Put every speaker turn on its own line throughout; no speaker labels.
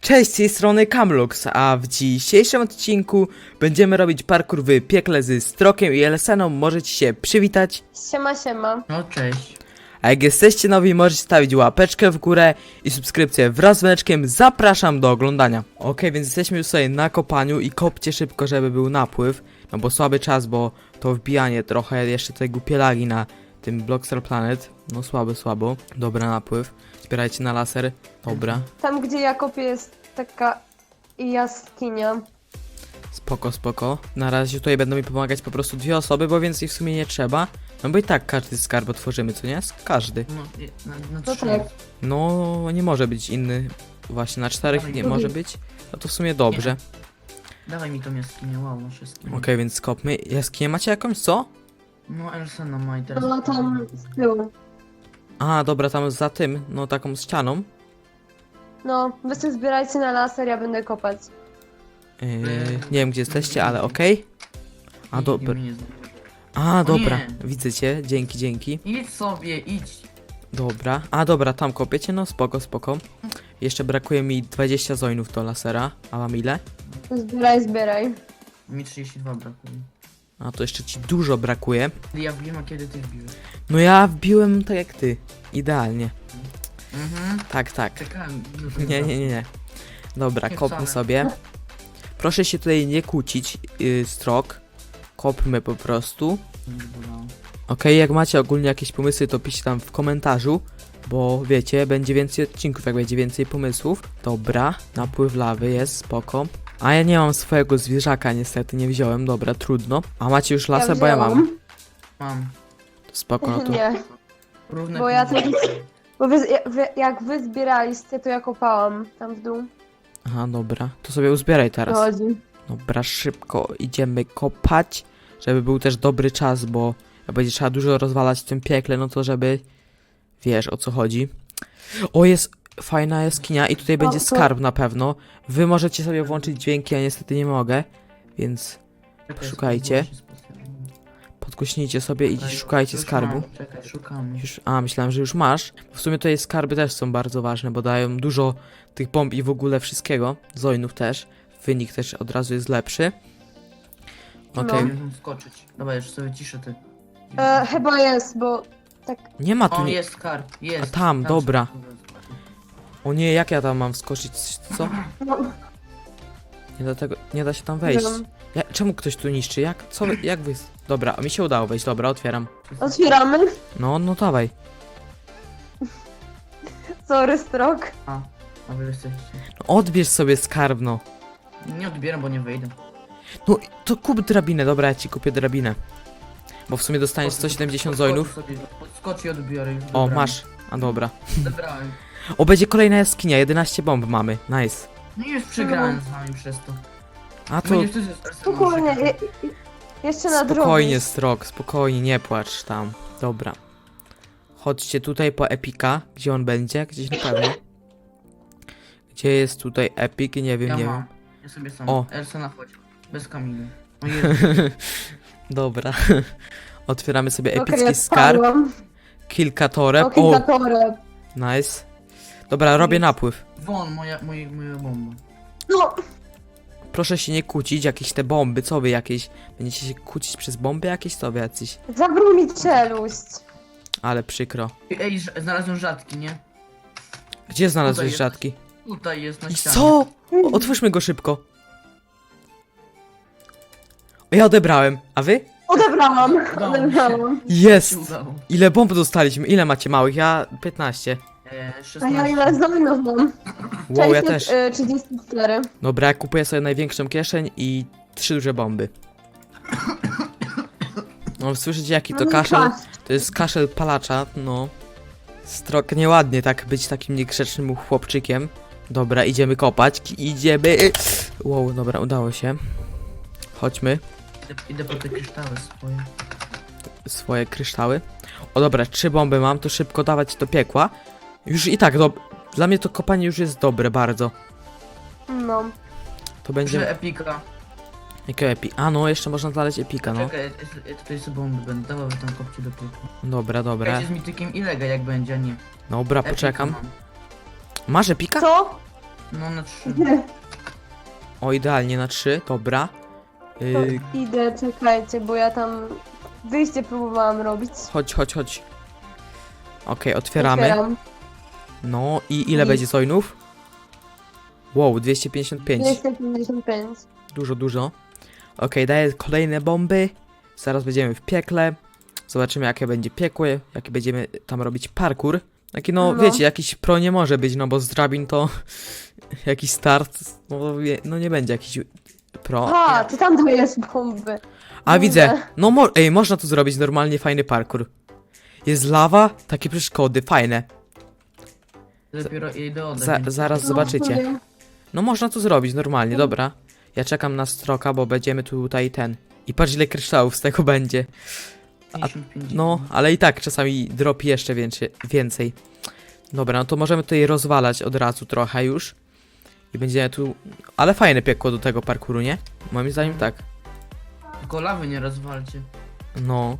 Cześć, z tej strony Camlux, a w dzisiejszym odcinku będziemy robić parkour w piekle z Strokiem i Elseną. Możecie się przywitać.
Siema, siema.
No cześć.
A jak jesteście nowi, możecie stawić łapeczkę w górę i subskrypcję wraz z dzwoneczkiem. Zapraszam do oglądania. Okej, więc jesteśmy już sobie na kopaniu i kopcie szybko, żeby był napływ. No bo słaby czas, bo to wbijanie trochę, jeszcze tutaj głupie lagi na tym Blockstar Planet. No słabo. Dobra, napływ. Zbierajcie na laser. Dobra.
Tam, gdzie ja kopię, jest taka jaskinia.
Spoko. Na razie tutaj będą mi pomagać po prostu dwie osoby, bo więcej w sumie nie trzeba. No bo i tak każdy skarb otworzymy, co nie? Każdy.
No, na
No
trzy.
tak.
No, nie może być inny. Właśnie, na czterech
Dawaj,
nie
drugi.
może być. No to w sumie dobrze.
Dawaj mi tą jaskinię, wow, na wszystkim.
Okej, więc skopmy. Jaskinię macie jakąś, co?
No Elsena ma i teraz...
No tam z tyłu.
A, dobra, tam za tym, no taką ścianą.
No, wy sobie zbierajcie na laser, ja będę kopać.
Nie wiem, gdzie jesteście, ale okej. A,
Nikt
dobra.
mnie nie znajdzie.
A,
O
dobra,
nie.
widzę cię. Dzięki.
Idź sobie, idź.
Dobra. A, dobra, tam kopiecie, no spoko. Jeszcze brakuje mi 20 zoinów do lasera. A mam ile?
Zbieraj.
Mi 32 brakuje.
A, to jeszcze ci dużo brakuje.
Kiedy ja wbiłem, a kiedy ty wbiłeś?
No ja wbiłem tak jak ty. Idealnie. Tak.
Czekałem.
Nie. Dobra,
Nie
kopmy
wcale.
sobie. Proszę się tutaj nie kłócić, Strok. Kopmy po prostu. Okej, jak macie ogólnie jakieś pomysły, to piszcie tam w komentarzu. Bo wiecie, będzie więcej odcinków, jak będzie więcej pomysłów. Dobra, napływ lawy jest, spoko. A ja nie mam swojego zwierzaka, niestety nie wziąłem, dobra, trudno. A macie już lasę, bo ja mam.
Mam.
Spoko, no to.
Nie,
Równe
bo ja
pieniądze.
bo jak wy zbieraliście, to ja kopałam tam w dół.
Aha, dobra, to sobie uzbieraj teraz.
Chodzi.
Dobra, szybko idziemy kopać, żeby był też dobry czas, bo jak będzie trzeba dużo rozwalać w tym piekle, no to żeby... Wiesz, o co chodzi. O, jest fajna jaskinia i tutaj będzie
to-
skarb na pewno. Wy możecie sobie włączyć dźwięki, ja niestety nie mogę, więc
Czekaj,
szukajcie.
sobie specjalnie.
podgłośnijcie sobie i
Czekaj,
szukajcie
już
skarbu.
mam, Czekaj, szukamy.
Myślałem, że już masz. W sumie tutaj skarby też są bardzo ważne, bo dają dużo tych bomb i w ogóle wszystkiego. Zoinów też. Wynik też od razu jest lepszy. Okej.
Nie wiem skoczyć. Dobra, już sobie ciszę ty.
Chyba jest, bo tak.
Nie ma tu
O,
nie...
jest skarb, jest.
A tam, dobra.
się skoczyć.
O nie, jak ja tam mam wskoczyć? Co?
No,
Nie da się tam wejść.
wiem.
Czemu ktoś tu niszczy? Jak wy... Dobra, mi się udało wejść, dobra, otwieram.
Otwieramy.
No dawaj.
Sorry, Strok.
A wy jesteście.
No, odbierz sobie skarb, no.
Nie odbieram, bo nie wejdę.
No, to kup drabinę, dobra, ja ci kupię drabinę. Bo w sumie dostaniesz 170 zoinów.
Podskocz i odbiorę już.
O,
Dobrałem.
masz. A dobra.
Zebrałem.
O, będzie kolejna jaskinia, 11 bomb mamy. Nice.
No i już przegrałem z wami przez to.
A to
Będziesz ty ze Arseną
Spokojnie.
czekał.
Jeszcze na
spokojnie,
drogę.
Strok, spokojnie, nie płacz tam. Dobra. Chodźcie tutaj po Epika. Gdzie on będzie? Gdzieś na pewno. Gdzie jest tutaj Epic? Nie wiem,
Ja
nie
mam.
wiem.
Ja sobie sam.
O.
Elsena chodź. Bez Kamily. O Jezu.
Dobra. Otwieramy sobie
Okej,
epicki
ja
skarb.
spadłam.
Kilka toreb.
O, kilka toreb.
Nice. Dobra, robię napływ.
Won, moja bomba.
No,
Proszę się nie kłócić, jakieś te bomby, co wy jakieś? Będziecie się kłócić przez bomby jakieś, co wy jacyś?
zabrał mi czeluść.
Ale przykro.
Ej, znalazłem rzadki, nie?
Gdzie znalazłeś
jest.
rzadki?
Tutaj jest na
I
ścianie.
co? Otwórzmy go szybko. Ja odebrałem, a wy?
Odebrałam.
Udało mi się.
Odebrałam.
Jest!
Się udało.
Ile bomb dostaliśmy? Ile macie małych? Ja 15.
A
16.
ja ile zoinów mam?
Wow, ja też.
34.
Dobra, ja kupuję sobie największą kieszeń i 3 duże bomby. No, słyszycie jaki to
No,
kaszel?
patrz.
To jest kaszel palacza, no. Strok nieładnie tak być takim niegrzecznym chłopczykiem. Dobra, idziemy kopać. Idziemy. Wow, dobra, udało się. Chodźmy.
Idę po te kryształy swoje.
Swoje kryształy. O dobra, 3 bomby mam, to szybko dawać do piekła. Już i tak, dla mnie to kopanie już jest dobre bardzo.
No.
To
Że
będzie...
epika.
Jakiego epi? A no, jeszcze można znaleźć epika, no.
Czekaj, ja tutaj sobie bomby będę dawał, wy tam kopcie do piekła.
Dobra.
Czekajcie z mitykiem ilega jak będzie, a nie.
Dobra,
Epika
poczekam.
mam.
Masz epika?
Co?
No na 3.
O, idealnie na 3, dobra.
Idę, czekajcie, bo ja tam wyjście próbowałam robić.
Chodź. Okej, otwieramy.
Otwieram.
No i ile
I-
będzie coinów? Wow, 255.
255.
Dużo. Okej, daję kolejne bomby. Zaraz będziemy w piekle. Zobaczymy jakie będzie piekło, jaki będziemy tam robić parkour. Taki no,
No.
wiecie, jakiś pro nie może być, no bo z drabin to jakiś start, no nie będzie jakiś pro.
A, ty tam dajesz bomby.
A
Kurde.
widzę, no można tu zrobić normalnie fajny parkour. Jest lawa, takie przeszkody, fajne.
Dopiero idę oddać.
Zaraz
No,
zobaczycie.
powiem.
No można tu zrobić normalnie, dobra. Ja czekam na stroka, bo będziemy tutaj ten. I patrz ile kryształów z tego będzie.
55.
No, ale i tak czasami dropi jeszcze więcej. Dobra, no to możemy tutaj rozwalać od razu trochę już. I będziemy tu... Ale fajne piekło do tego parkouru, nie? Moim zdaniem tak.
Tylko lawy nie rozwalcie.
No.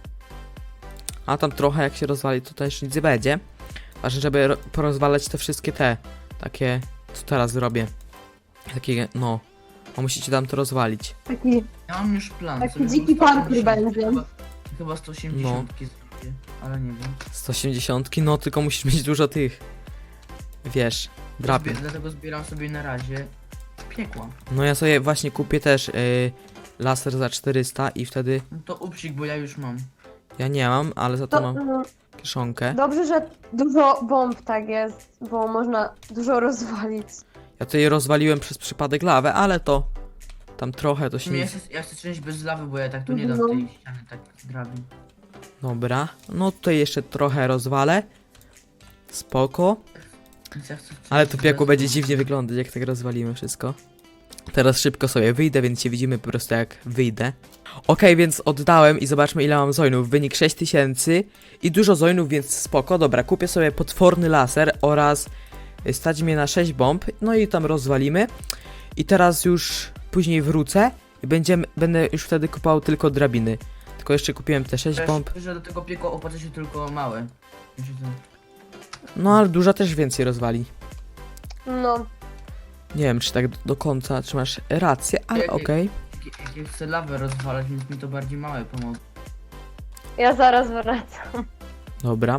A tam trochę jak się rozwali, to też nic nie będzie. Ważne, żeby porozwalać te wszystkie te... Takie... Co teraz zrobię? Takie, no... Bo musicie tam to rozwalić.
Taki,
Ja mam już plan.
Taki
sobie
dziki
chyba
parkour
180,
będzie.
Chyba 180 zrobię, ale nie wiem.
180, no tylko musisz mieć dużo tych... Wiesz... Drapie.
Dlatego zbieram sobie na razie piekła.
No ja sobie właśnie kupię też laser za 400 i wtedy
No to upsik, bo ja już mam.
ja nie mam, ale za to
to,
mam kieszonkę.
dobrze, że dużo bomb tak jest, bo można dużo rozwalić.
Ja tutaj rozwaliłem przez przypadek lawę, ale to tam trochę to
W
się
sumie
nie...
ja chcę część bez lawy, bo ja tak tu nie dam
No.
tej ściany tak drabin.
Dobra, no tutaj jeszcze trochę rozwalę. Spoko.
Więc ja chcę
Ale to
część
piekło
bez
będzie
lawy.
dziwnie wyglądać, jak tak rozwalimy wszystko. Teraz szybko sobie wyjdę, więc się widzimy po prostu jak wyjdę. Okej, więc oddałem i zobaczmy ile mam zoinów. Wynik 6000 i dużo zoinów, więc spoko. Dobra, kupię sobie potworny laser oraz stać mnie na 6 bomb. No i tam rozwalimy. I teraz już później wrócę i będę już wtedy kupował tylko drabiny. Tylko jeszcze kupiłem te 6 bomb.
Wiesz, że do tego piekła opłaca się tylko małe. Wiecie co?
No ale duża też więcej rozwali.
No,
Nie wiem czy tak do końca, czy masz rację, ale
Jak-
okej.
Jak ja chcę lawę rozwalać, więc mi to bardziej małe pomogą.
ja zaraz wracam.
Dobra.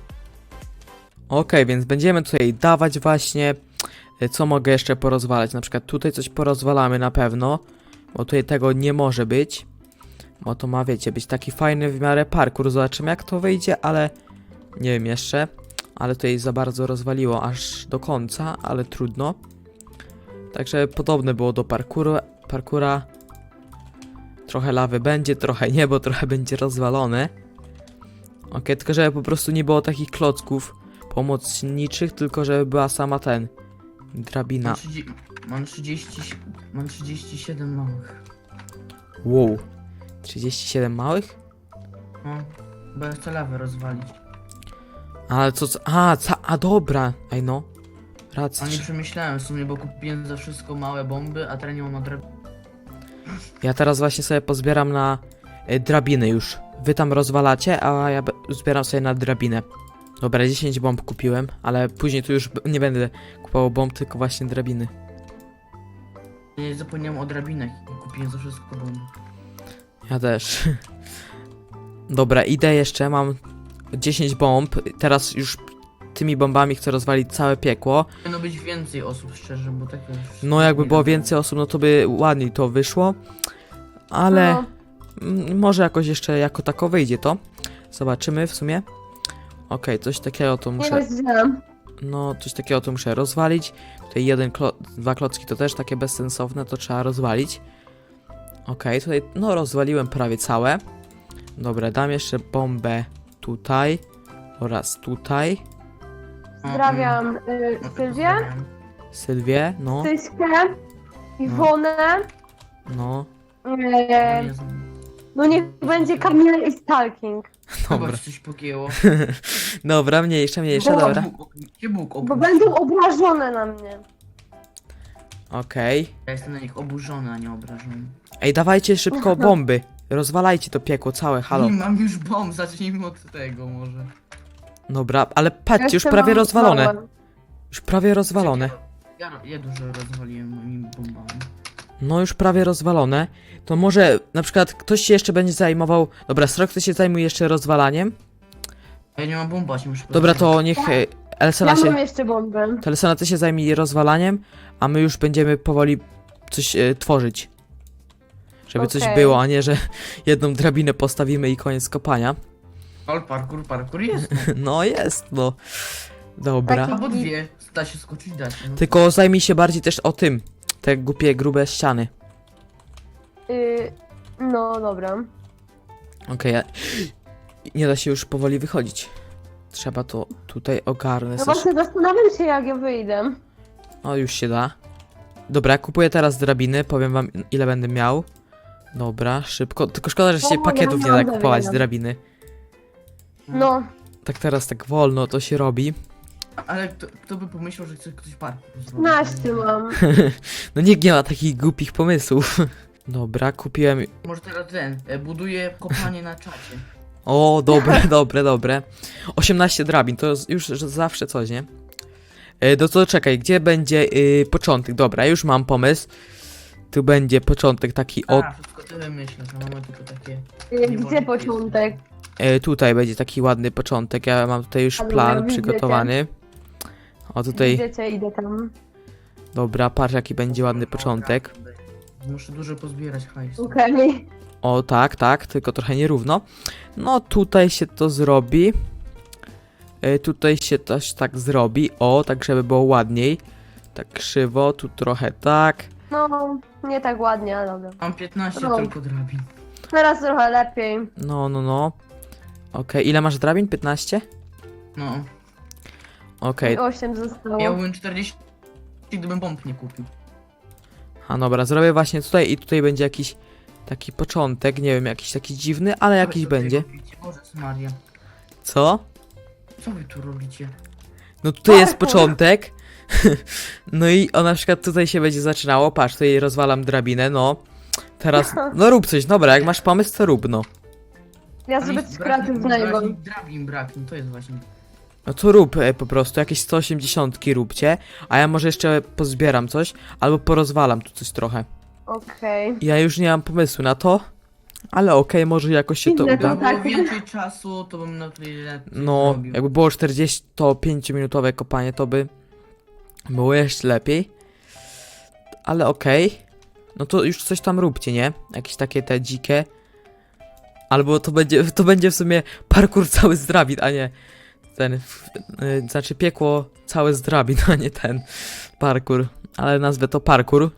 Okej, więc będziemy tutaj dawać właśnie, co mogę jeszcze porozwalać. Na przykład tutaj coś porozwalamy na pewno, bo tutaj tego nie może być. Bo to ma, wiecie, być taki fajny w miarę parkour. Zobaczymy jak to wyjdzie, ale nie wiem jeszcze. Ale tutaj za bardzo rozwaliło aż do końca, ale trudno. Także podobne było do parkura. Trochę lawy będzie, trochę nie, bo trochę będzie rozwalone. Okej, tylko żeby po prostu nie było takich klocków pomocniczych, tylko żeby była sama drabina.
Mam 37 małych.
Wow. 37 małych?
No, bo ja chcę lawę rozwalić.
Ale co... A dobra. Ej no.
A
Racja.
nie przemyślałem w sumie, bo kupiłem za wszystko małe bomby, a teraz nie mam na drabinę.
Ja teraz właśnie sobie pozbieram na drabiny już. Wy tam rozwalacie, a ja zbieram sobie na drabinę. Dobra, 10 bomb kupiłem, ale później tu już nie będę kupował bomb, tylko właśnie drabiny.
Nie zapomniałem o drabinach i kupiłem za wszystko bomby.
Ja też. Dobra, idę jeszcze, mam 10 bomb. Teraz już tymi bombami chcę rozwalić całe piekło.
Powinno być więcej osób, szczerze, bo tak już...
No jakby
nie
było
wiadomo.
więcej osób, no to by ładniej to wyszło. Ale
No,
może jakoś jeszcze jako tako wyjdzie to. Zobaczymy w sumie. Okej, coś takiego to
nie
muszę...
wiedziałam.
No, coś takiego to muszę rozwalić. Tutaj dwa klocki to też takie bezsensowne, to trzeba rozwalić. Okej, tutaj no rozwaliłem prawie całe. Dobra, dam jeszcze bombę tutaj oraz tutaj.
Pozdrawiam
No,
Sylwię,
pozdrawiam.
Sylwię, no,
Tyśkę, Iwonę.
no,
E, no niech będzie Kamila i Stalking.
dobra.
Chyba coś pogięło.
Dobra, mniejsza,
Bo-
dobra.
Gdzie Bóg
Bo
oburzony?
będą obrażone na mnie.
Okej.
Ja jestem na nich oburzony, a nie obrażony.
Ej, dawajcie szybko bomby. Rozwalajcie to piekło całe, halo.
Nie mam już bomb, zacznijmy od tego może.
Dobra, ale patrzcie, już
Jeszcze
prawie
mam
rozwalone.
małe.
Już prawie rozwalone.
Ja dużo rozwaliłem moimi bombami.
No już prawie rozwalone. To może na przykład ktoś się jeszcze będzie zajmował... Dobra, Strok, ty się zajmuje jeszcze rozwalaniem?
A ja nie mam bomba, się muszę
Dobra,
pozbyć.
to niech Elsena
Ja
się...
mam jeszcze bombę.
To Elsena, ty się zajmij rozwalaniem, a my już będziemy powoli coś tworzyć. Żeby coś
Okej.
było, a nie, że jedną drabinę postawimy i koniec kopania.
Ale parkour jest.
No jest, no. Dobra.
Taki-
Albo dwie. Da się skoczyć, da się. No.
Tylko zajmij się bardziej też o tym. Te głupie, grube ściany.
No dobra.
Okej, nie da się już powoli wychodzić. Trzeba to tutaj ogarnąć.
No właśnie zastanawiam się, jak ja wyjdę.
O, już się da. Dobra, kupuję teraz drabiny, powiem wam ile będę miał. Dobra, szybko. Tylko szkoda, że się
O,
pakietów
ja
nie
mam
da kupować
drabinę.
drabiny.
No,
Tak teraz tak wolno to się robi.
Ale kto by pomyślał, że chce ktoś parkour zrobić?
15 mam.
No nikt nie ma takich głupich pomysłów. Dobra, kupiłem...
Może teraz buduję kopanie na czacie.
O, dobre, dobre. 18 drabin, to już zawsze coś, nie? No to czekaj, gdzie będzie początek? Dobra, już mam pomysł. Tu będzie początek taki od...
A, wszystko ty wymyślisz, a mamy tylko takie...
Gdzie początek?
Tutaj będzie taki ładny początek. Ja mam tutaj już
Ale
plan
ja widzę
przygotowany. O tutaj,
Idziecie, idę tam.
dobra, patrz jaki będzie ładny początek.
Muszę dużo pozbierać hajsu.
Okej.
O tak, tylko trochę nierówno. No tutaj się to zrobi. Tutaj się też tak zrobi. O, tak żeby było ładniej. Tak krzywo, tu trochę tak.
No, nie tak ładnie, ale dobra.
Mam 15
No.
tylko drabin.
Teraz trochę lepiej.
No. Okej, ile masz drabin? 15?
No.
Okej,
8 zostało.
Miałbym 40, gdybym bomb nie kupił.
a dobra, zrobię właśnie tutaj i tutaj będzie jakiś taki początek. Nie wiem, jakiś taki dziwny, ale
Co
jakiś
wy tutaj
będzie.
robicie? Boże Maria.
Co?
Co wy tu robicie?
No tutaj jest
Parkour.
początek. No i o na przykład tutaj się będzie zaczynało. Patrz, tutaj rozwalam drabinę, no. Teraz, no rób coś, dobra, jak masz pomysł, to rób, no.
Ja
Tam
zrobię
jest
coś
brak-
kreatywnego.
Drabin braknie, to jest właśnie.
No to rób po prostu, jakieś 180 róbcie, a ja może jeszcze pozbieram coś, albo porozwalam tu coś trochę.
Okej.
Ja już nie mam pomysłu na to, ale okej, może jakoś się to
Inne
uda.
to
Gdyby było
tak.
więcej czasu, to bym na tyle
No,
zrobił.
jakby było 45-minutowe kopanie, to by było jeszcze lepiej. Ale okej. No to już coś tam róbcie, nie? Jakieś takie te dzikie. Albo to będzie w sumie parkour cały z drabin, a nie ten, znaczy piekło całe z drabin, a nie ten parkour. Ale nazwę to parkour.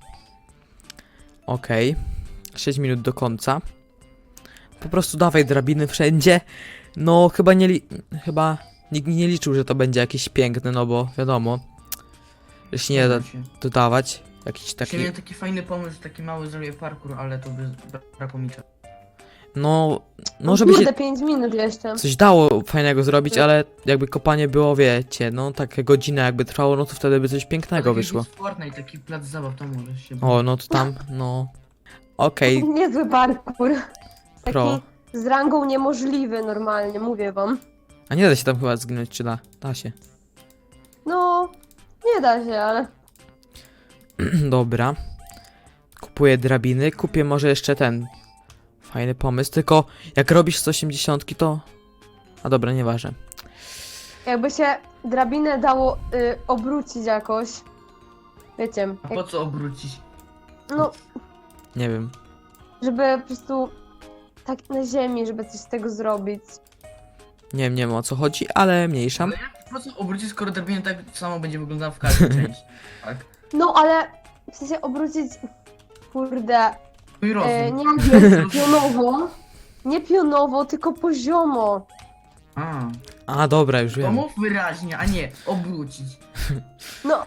Okej. 6 minut do końca. Po prostu dawaj drabiny wszędzie. No chyba nikt nie liczył, że to będzie jakieś piękne, no bo wiadomo, że się nie da dodawać. Jakiś taki,
Miałem taki fajny pomysł, taki mały zrobię parkour, ale to by brakło mi czasu.
no żeby się
Kurde, 5 minut jeszcze.
coś dało fajnego zrobić, ale jakby kopanie było, wiecie, no takie godzinę jakby trwało, no to wtedy by coś pięknego wyszło.
Fortnite, taki plac zabaw, tam może się...
O, no to tam, no. Okej,
Niezły parkour.
Pro.
Taki z rangą niemożliwy normalnie, mówię wam.
a nie da się tam chyba zginąć, czy da? Da się.
No, nie da się, ale...
Dobra. Kupuję drabiny, kupię może jeszcze ten fajny pomysł, tylko jak robisz 180 to... A dobra, nieważne.
Jakby się drabinę dało obrócić jakoś. Wiecie,
A po co obrócić?
no,
Nie wiem.
żeby po prostu tak na ziemi, żeby coś z tego zrobić.
Nie wiem o co chodzi, ale mniejsza.
Ale jak po co obrócić, skoro drabina tak samo będzie wyglądała w każdej części? Tak?
No, ale w sensie obrócić, kurde,
Mój rozum.
nie wiem, pionowo. Nie pionowo, tylko poziomo.
A,
Dobra, już
to
wiem.
mów wyraźnie, a nie obrócić.
No.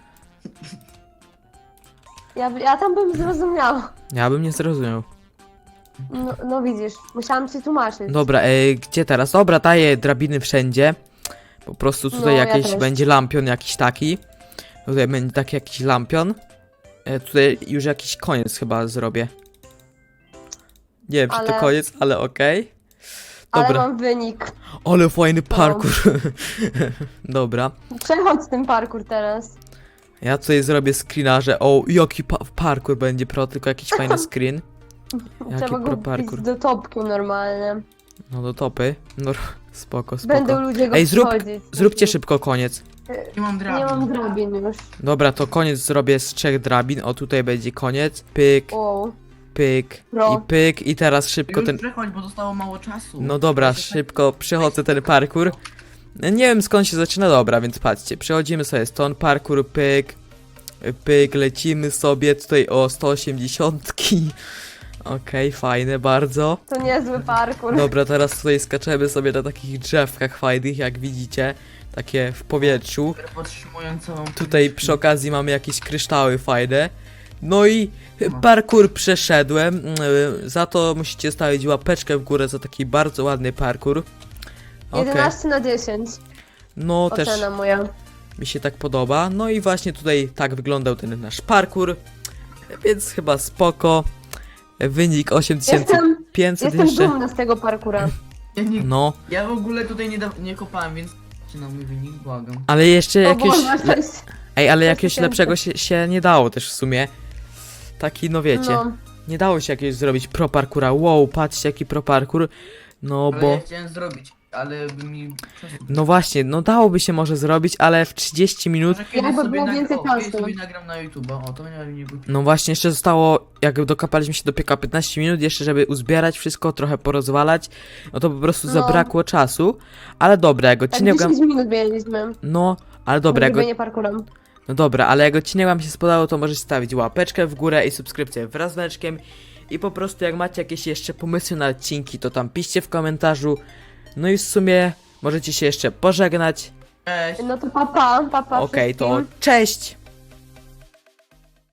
Ja tam bym zrozumiała.
Ja bym nie zrozumiał.
No widzisz, musiałam ci tłumaczyć.
Dobra, gdzie teraz? Dobra, daję drabiny wszędzie. Po prostu tutaj
No, ja
jakieś
też.
będzie lampion jakiś taki. Tutaj będzie taki jakiś lampion. Tutaj już jakiś koniec chyba zrobię. Nie wiem, czy to
Ale-
koniec, ale okej.
Ale
Dobra,
mam wynik.
ale fajny parkour. Dobra.
Przechodź ten parkour teraz.
Ja tutaj zrobię screena, że o, jaki parkour będzie pro, tylko jakiś fajny screen. Jaki
Trzeba
pro
go
parkour.
wbić do topki normalnie.
No do topy. No spoko,
Będą
spoko.
ludzie go
Ej,
wchodzić.
Zróbcie szybko koniec.
Nie mam drabin.
Nie mam drabin już.
Dobra, to koniec zrobię z 3 drabin. O, tutaj będzie koniec. Pyk,
Wow.
pyk
Pro.
i pyk. I teraz szybko
Już
ten...
przechodź, bo zostało mało czasu.
No dobra, szybko przechodzę ten parkour. Nie wiem skąd się zaczyna, dobra, więc patrzcie. Przechodzimy sobie stąd, parkour, pyk, pyk, lecimy sobie tutaj o 180. Okej, fajne bardzo.
To niezły parkour.
Dobra, teraz tutaj skaczemy sobie na takich drzewkach fajnych, jak widzicie. Takie w powietrzu.
Podtrzymują całą...
Tutaj przy okazji mamy jakieś kryształy fajne. No i parkour przeszedłem. Za to musicie stawić łapeczkę w górę za taki bardzo ładny parkour. Okej.
11 na 10.
No też
Ocena moja.
mi się tak podoba. No i właśnie tutaj tak wyglądał ten nasz parkour. Więc chyba spoko. Wynik 8500
Jestem
jeszcze.
dumna z tego parkura.
No,
Ja w ogóle tutaj nie kopałem, więc... Czy na mój wynik? Błagam.
ale jeszcze
O
jakieś...
Boże, coś...
Ej, ale
coś
jakiegoś
tysięcy.
lepszego się nie dało też w sumie. Taki, no wiecie.
No.
Nie dało się jakiegoś zrobić pro parkoura. Wow, patrzcie jaki pro parkour. No
Ale
bo...
ja chciałem zrobić, ale by mi...
No właśnie, no dałoby się może zrobić, ale w 30 minut...
Może kiedyś
Jakby
sobie
było więcej
kiedyś
czasu.
sobie nagram na YouTube, o to nie głupie.
No właśnie, jeszcze zostało, jak dokapaliśmy się do pieka 15 minut, jeszcze żeby uzbierać wszystko, trochę porozwalać, no to po prostu
No.
zabrakło czasu, ale dobra, jak
Tak
odcinek
10 minut mieliśmy.
No, ale dobra, jak...
Zrobienie parkurem.
No dobra, ale jak odcinek wam się spodobał, to możecie stawić łapeczkę w górę i subskrypcję wraz z dzwoneczkiem i po prostu jak macie jakieś jeszcze pomysły na odcinki, to tam piszcie w komentarzu, no i w sumie możecie się jeszcze pożegnać.
Cześć!
No to papa, papa
Okej, to
wszystkim.
cześć!